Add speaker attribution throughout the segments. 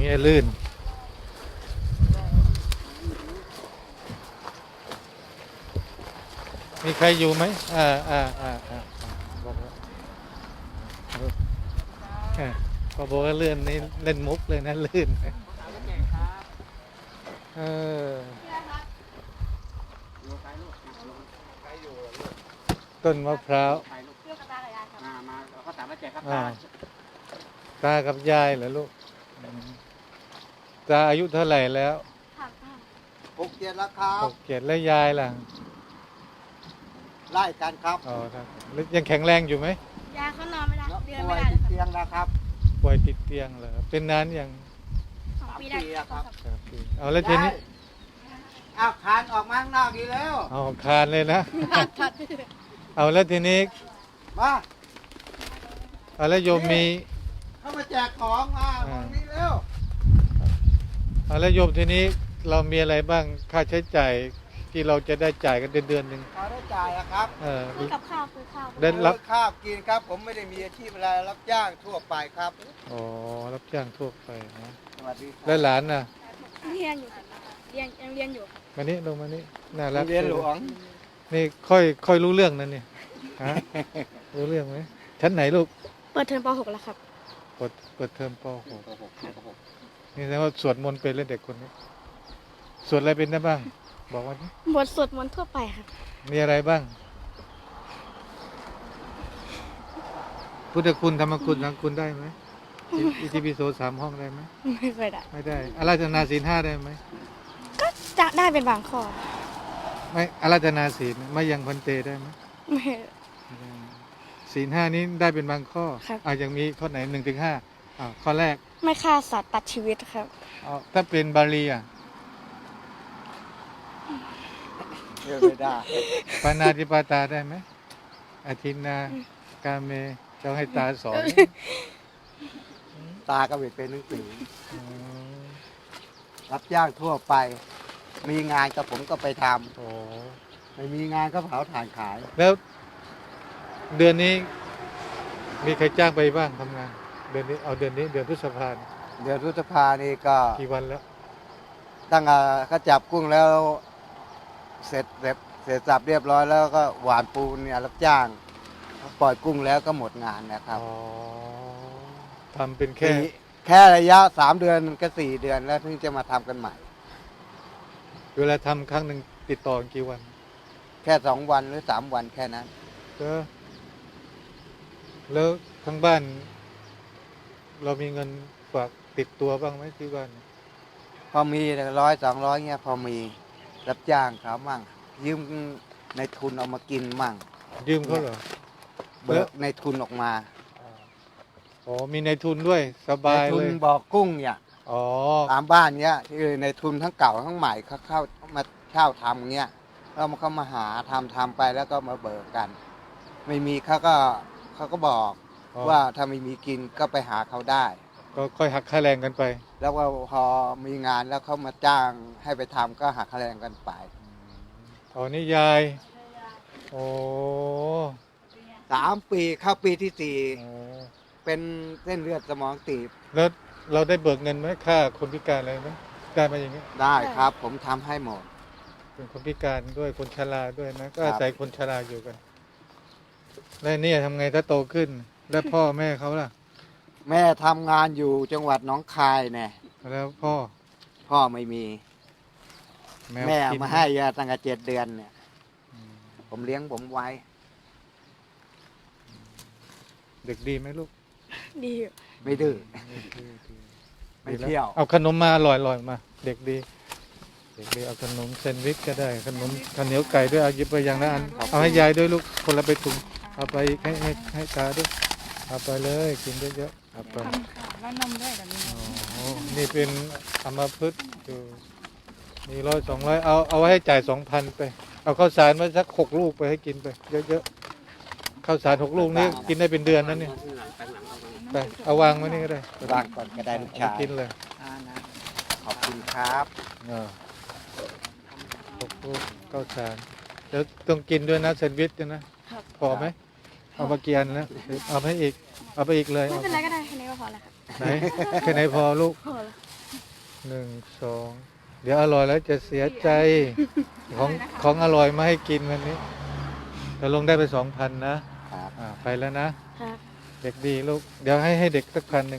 Speaker 1: งี้ลื่นมีใครอยู่ไหมบอกว่าพอบอกว่าเลื่อนนี่เล่นมุกเลยนะลื่นเออต้นมะพร้าวตากับยายเหรอลูกตาอายุเท่าไหร่แล้ว
Speaker 2: 6-7แล้วครับ
Speaker 1: 6-7แล้วยายล่ะ
Speaker 2: ไล่กันครับ
Speaker 1: อ๋อครับยังแข็งแรงอยู่ไหม
Speaker 3: ยายเขานอนไม่ได้เดิน
Speaker 2: ป่ว
Speaker 3: ไม่
Speaker 2: ย
Speaker 3: ได้
Speaker 2: ติดเตียงแล้วครับ
Speaker 1: ป่วยติดเตียงเหรอเป็นนานยัง
Speaker 3: 2 ปีได้
Speaker 2: ครับ
Speaker 1: เอาแล้วทีนี้
Speaker 2: เอาคานออกมาข้างนอกดีแล้ว
Speaker 1: เอาคานเลยนะ
Speaker 3: ทัด
Speaker 1: เอาแล้วทีนี้
Speaker 2: มา
Speaker 1: เอาแล้วโยมมี
Speaker 2: เข้ามาแจกของมาตรงนี้เร็ว
Speaker 1: เอาแล้วโยมทีนี้เรามีอะไรบ้างค่าใช้จ่ายที่เราจะได้จ่ายกันเดือนหนึ่ง
Speaker 2: พอได้จ่ายอะครับ
Speaker 3: ซื้อกับข้าวซื้อข้าว
Speaker 1: ได้รับ
Speaker 2: ข้าวกินครับ ผมไม่ได้มีอาชีพอะไรรับจ้างทั่วไปครับ
Speaker 1: อ๋อรับจ้างทั่วไปนะ
Speaker 2: สวัสดีครั
Speaker 1: แล้วหลานน่ะ
Speaker 3: เรียนอยู่ยังเรียนอยู่
Speaker 1: มานี่ลงมานี่น่ารัก
Speaker 2: เรียนหลวง
Speaker 1: นี่ค่อยรู้เรื่องนั่นนี่ฮะรู้เรื่องไหมชั้นไหนลูก
Speaker 3: เปิดเทอมป .6 แล้วครับ
Speaker 1: เปิดเทอมป .6 นี่แสดงว่าสวดมนต์เป็นเลยเด็กคนนี้สวดอะไรเป็นได้บ้าง บอกว่านี่
Speaker 3: บทสวดมนต์ทั่วไปครับ
Speaker 1: มีอะไรบ้าง พุทธคุณธรรมคุณสังคุณได้ไหมอิติปิโส3 ห้องได้ไหม
Speaker 3: ไม่เคยได้
Speaker 1: ไม่ได้อาราธนาศีล 5ได้ไหม
Speaker 3: ก็จะได้เป็นบางข้อ
Speaker 1: ไม่อาราธนาศีลไม่ยังพันเตได้ไหม
Speaker 3: ไม่
Speaker 1: ไม่ได้ศีล 5นี้ได้เป็นบางข้อ
Speaker 3: ครับ
Speaker 1: ยังมีข้อไหน1-5ข้อแรก
Speaker 3: ไม่ฆ่าสัตว์ตัดชีวิตครับ
Speaker 1: ถ้าเป็นบาลี
Speaker 2: เรียนไม่ได้
Speaker 1: ปานาติปาตาได้ไหมอธินากาเมจะให้ตาสอน
Speaker 2: ตาก็ไม่เป็นหนังสือ
Speaker 1: อืม
Speaker 2: รับจ้างทั่วไป มีงานกับผมก็ไปท
Speaker 1: โอ้
Speaker 2: ำไม่มีงานก็เผาถ่านขาย
Speaker 1: แล้วเดือนนี้มีใครจ้างไปบ้างทำงาน เดือนนี้เดือนพฤษภาคม
Speaker 2: เดือนพฤษภานี่ก็
Speaker 1: กี่วันแล้ว
Speaker 2: ตั้งเขาจับกุ้งแล้วเสร็จสับเรียบร้อยแล้วก็หวานปูนเนี่ยรับจ้าง ปล่อยกุ้งแล้วก็หมดงานนะครับ
Speaker 1: อ๋อทำเป็น
Speaker 2: แค่ระยะ3 เดือนก็4 เดือนแล้วถึงจะมาทำกันใหม่
Speaker 1: เวลาทำครั้งหนึ่งติดต่อกันกี่วัน
Speaker 2: แค่2 วันหรือ3 วันแค่นั้น
Speaker 1: ก็แล้วทั้งบ้าน เรามีเงินฝากติดตัวบ้างไหมที่บ้าน
Speaker 2: พอมี100-200เงี้ยพอมีรับจ้างเขามั่ง ยืมในทุนเอามากินมั่ง
Speaker 1: ยืมเขาเหรอ
Speaker 2: เบิกในทุนออกมา
Speaker 1: อ๋อมีในทุนด้วยสบาย
Speaker 2: ในทุ
Speaker 1: เล
Speaker 2: น
Speaker 1: ย
Speaker 2: บอกกุ้งเนี่ย
Speaker 1: อ๋อ
Speaker 2: ตามบ้านเนี้ยที่ในทุนทั้งเก่าทั้งใหม่เขาเข้ามาเช่าทำเงี้ยแล้วมันก็มาหาทำไปแล้วก็มาเบิกกัน ไม่มีเขาก็บอก
Speaker 1: อ๋อ
Speaker 2: ว่าถ้าไม่มีกินก็ไปหาเขาได้
Speaker 1: ก็ค่อยหักค่าแรงกันไป
Speaker 2: แล้วก็พอมีงานแล้วเขามาจ้างให้ไปทำก็หักคะแนนกันไป
Speaker 1: อ๋อนี่ยาย โอ้
Speaker 2: 3 ปีเข้าปีที่
Speaker 1: โอ้
Speaker 2: 4 เป็นเส้นเลือดสมองตีบ
Speaker 1: แล้วเราได้เบิกเงินไหมค่าคนพิการอะไรไหมได้มาอย่างเงี้ย
Speaker 2: ได้ครับ ผมทำให้หมด
Speaker 1: เป็นคนพิการด้วยคนชราด้วยนะ ก็
Speaker 2: ครับ
Speaker 1: อาศัยคนชราอยู่กัน แล้วเนี่ยทำไงถ้าโตขึ้น แล้วพ่อแม่เขาล่ะ
Speaker 2: แม่ทำงานอยู่จังหวัดหนองคายเนี่ย
Speaker 1: แล้วพ่อ
Speaker 2: พ่อไม่มี แม่เอา
Speaker 1: กิน
Speaker 2: มาให้ยาตั้งแต่7 เดือนเนี่ย
Speaker 1: อืม
Speaker 2: ผมเลี้ยงผมไว้
Speaker 1: เด็กดีไหมลูก
Speaker 3: ดีอยู่
Speaker 2: ไม่ดื้อ
Speaker 1: ดี
Speaker 2: ไม่เที่ยว
Speaker 1: เอาขนมมาอร่อยๆมา เด็กดี เด็กดีเอาขนมแซนด์วิชก็ได้ขนมข้าวเหนียวไก่ด้วยเอาหยิบไปอย่างละอันเอาให้ยายด้วยลูกคนละไปถุงเอาไปให้ตาด้วยเอาไปเลยกินเยอะๆเอาไป
Speaker 3: ทำข่าวแล้วนมด้วยแบบนี้
Speaker 1: อ๋อนี่เป็นอัมพฤกษ์อยู่มี100-200เอาไว้ให้จ่าย2,000ไปเอาข้าวสารมาสัก6 ลูกไปให้กินไปเยอะๆข้าวสาร6 ลูกนี้กินได้เป็นเดือนนั่นเนี่ยไปเอาวางไว้นี่ก็ได้
Speaker 2: วางก่อนก็ได้ลูกชาย
Speaker 1: กินเลย
Speaker 2: ขอบคุณครับ
Speaker 1: 6 ลูกข้าวสารแล้วต้องกินด้วยนะแซนด์วิชด้วยนะพอไหมเอามากี่อันนะเอาไปอีกเลย
Speaker 3: ไม่เป็นไรก็ได้แค่นี้ก็พอแล้วครับ
Speaker 1: ไหนแค่ไหนพอลูก
Speaker 3: พอแล้ว
Speaker 1: 1 2 เดี๋ยวอร่อยแล้วจะเสียใจของอร่อยมาให้กินวันนี้เราลงได้ไป 2,000 นะครับ ไปแล้วนะครับ เด็กดีลูกเดี๋ยวให้เด็กสัก1,000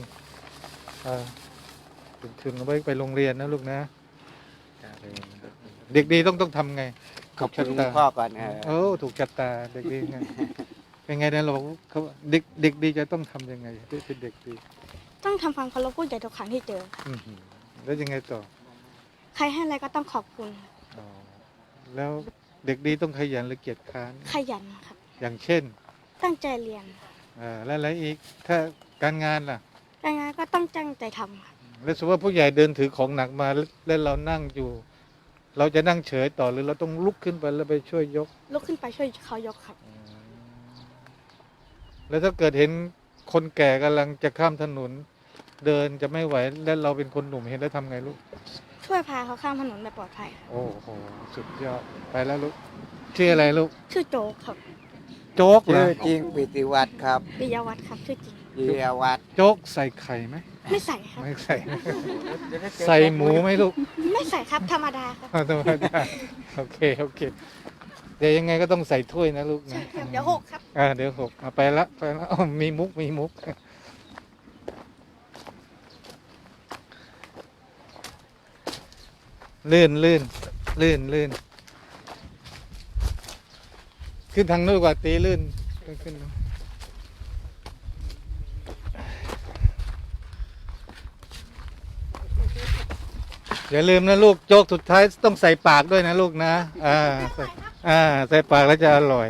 Speaker 1: เป็นทุนเอาไว้ไปโรงเรียนนะลูกนะเด็กดีต้องทำไง
Speaker 2: ขอบคุณพ่อก่อน
Speaker 1: โอ้ถูกชะตาเด็กดีไงเป็นไงนะเราบอกเขาเด็กดีจะต้องทำยังไงที่เป็นเด็กดี
Speaker 3: ต้องทำความเคารพผู้ใหญ่ทุกครั้งที่เจอ
Speaker 1: อื้อหือแล้วยังไงต่อ
Speaker 3: ใครให้อะไรก็ต้องขอบคุณ
Speaker 1: อ๋อแล้วเด็กดีต้องขยันหรือเกียจคร้าน
Speaker 3: ขยันครับ
Speaker 1: อย่างเช่น
Speaker 3: ตั้งใจเรียน
Speaker 1: แล้วอะไรอีกถ้าการงานล่ะ
Speaker 3: การงานก็ต้องตั้งใจทำครับ
Speaker 1: แล้วสมมติว่าผู้ใหญ่เดินถือของหนักมาแล้วเรานั่งอยู่ เราจะนั่งเฉยต่อหรือเราต้องลุกขึ้นไปแล้วไปช่วยยก
Speaker 3: ลุกขึ้นไปช่วยเขายกครับ
Speaker 1: แล้วถ้าเกิดเห็นคนแก่กำลังจะข้ามถนน เดินจะไม่ไหวแล้วเราเป็นคนหนุ่มเห็นแล้วทำไงลูก
Speaker 3: ช่วยพาเขาข้ามถนนแบบปลอดภัยครับ
Speaker 1: โอ้โหสุดยอดไปแล้วลูกชื่ออะไรลูก
Speaker 3: ชื่อโจ๊กครับ
Speaker 1: โจ๊กเหร
Speaker 2: ชื่
Speaker 1: อ
Speaker 2: อจริงปิติวัฒน์ครับ
Speaker 3: ปิยวัฒน์ครับชื่อจริง
Speaker 2: ปิยวัฒน์
Speaker 1: โจ๊กใส่ไข่ไหม
Speaker 3: ไม่ใส่ครับ
Speaker 1: ไม่ใส่ ใส่หมูไหมลูก
Speaker 3: ไม่ใส่ครับธรรมดาครับ
Speaker 1: ธรรมดาโอเคเดี๋ยวยังไงก็ต้องใส่ถ้วยนะลูกนะ
Speaker 3: เดี๋ยวหกครับ
Speaker 1: เดี๋ยวหกไปละอ้าวมีมุกลื่นขึ้นทางนู้นกว่าตีลื่นขึ้นอย่าลืมนะลูกโจ๊กสุดท้ายต้องใส่ปากด้วยนะลูกนะใส่ปากแล้วจะอร่อย